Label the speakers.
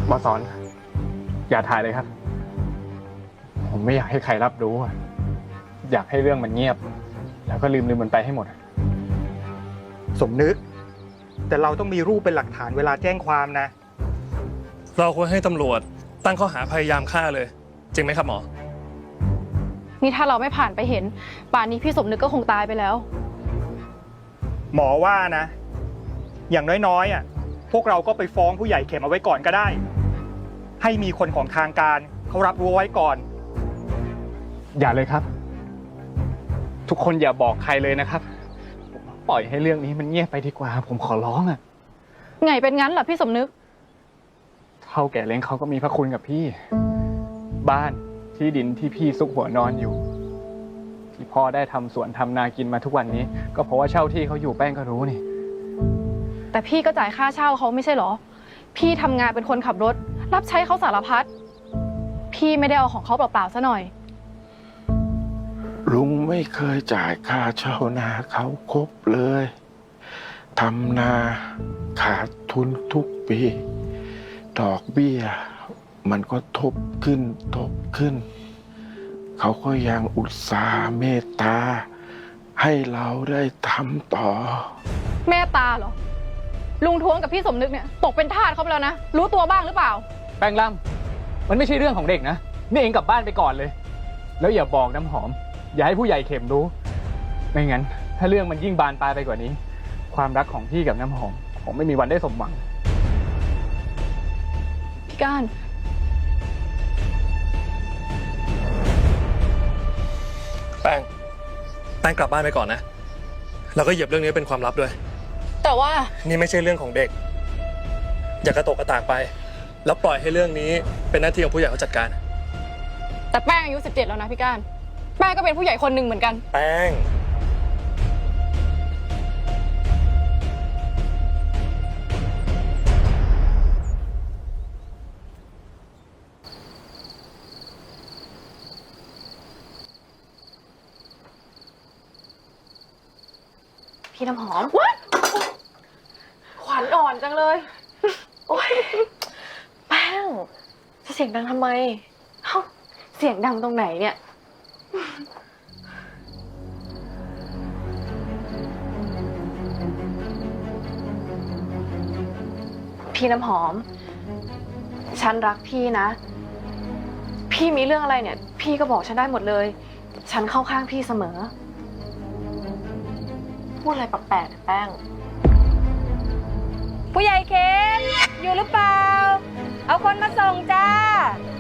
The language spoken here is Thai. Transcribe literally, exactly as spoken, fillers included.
Speaker 1: บอสอนอย่าถ่ายเลยครับผมไม่อยากให้ใครรับรู้อยากให้เรื่องมันเงียบแล้วก็ลืมลืมมันไปให้หมด
Speaker 2: สมนึกแต่เราต้องมีรูปเป็นหลักฐานเวลาแจ้งความนะ
Speaker 3: เราควรให้ตำรวจตั้งข้อหาพยายามฆ่าเลยจริงไหมครับหมอ
Speaker 4: นี่ถ้าเราไม่ผ่านไปเห็นป่านนี้พี่สมนึกก็คงตายไปแล้ว
Speaker 2: หมอว่านะอย่างน้อยๆอ่ะพวกเราก็ไปฟ้องผู้ใหญ่เข็มเอาไว้ก่อนก็ได้ให้มีคนของทางการเขารับรู้ไว้ก่อน
Speaker 1: อย่าเลยครับทุกคนอย่าบอกใครเลยนะครับปล่อยให้เรื่องนี้มันเงียบไปดีกว่าผมขอร้องอ่ะ
Speaker 4: ไงเป็นงั้นเหรอพี่สมนึก
Speaker 1: เท่าแก่เล้งเขาก็มีพระคุณกับพี่บ้านที่ดินที่พี่ซุกหัวนอนอยู่ที่พ่อได้ทำสวนทำนากินมาทุกวันนี้ก็เพราะว่าเช่าที่เขาอยู่แป้งก็รู้นี่
Speaker 4: แต่พี่ก็จ่ายค่าเช่าเขาไม่ใช่หรอพี่ทำงานเป็นคนขับรถรับใช้เขาสารพัดพี่ไม่ได้เอาของเขาเปล่าๆซะหน่อย
Speaker 5: ลุงไม่เคยจ่ายค่าเช่านาเขาครบเลยทำนาขาดทุนทุกปีดอกเบี้ยมันก็ทบขึ้นทบขึ้นเขาก็ยังอุตส่าห์เมตตาให้เราได้ทำต่อ
Speaker 4: เมตตาเหรอลุงท้วงกับพี่สมนึกเนี่ยตกเป็นทาสเขาไปแล้วนะรู้ตัวบ้างหรือเปล่า
Speaker 1: แป้งล่ำมันไม่ใช่เรื่องของเด็กนะนี่เองกลับบ้านไปก่อนเลยแล้วอย่าบอกน้ำหอมอย่าให้ผู้ใหญ่เข็มรู้ไม่งั้นถ้าเรื่องมันยิ่งบานปลายไปกว่านี้ความรักของพี่กับน้ำหอมคงไม่มีวันได้สมหวัง
Speaker 4: พี่ก้าน
Speaker 3: แป้งแป้งกลับบ้านไปก่อนนะแล้วก็เหยียบเรื่องนี้เป็นความลับด้วย
Speaker 4: แต่ว่า
Speaker 3: นี่ไม่ใช่เรื่องของเด็กอย่ากระตกกระตากไปแล้วปล่อยให้เรื่องนี้เป็นหน้าที่ของผู้ใหญ่เขาจัดการ
Speaker 4: แต่แป้งอายุสิบเจ็ดแล้วนะพี่ก้านแป้งก็เป็นผู้ใหญ่คนหนึ่งเหมือนกัน
Speaker 3: แป้ง
Speaker 4: พี่น้ำหอมขวัญอ่อนจังเลย
Speaker 6: โอ๊ยแป้งจะเสียงดังทำไมเอ้าเสียงดังตรงไหนเนี่ยพี่น้ำหอมฉันรักพี่นะพี่มีเรื่องอะไรเนี่ยพี่ก็บอกฉันได้หมดเลยฉันเข้าข้างพี่เสมอพูดอะไรแปลกๆแป้ง
Speaker 7: ผู้ใหญ่เข็มอยู่หรือเปล่าเอาคนมาส่งจ้า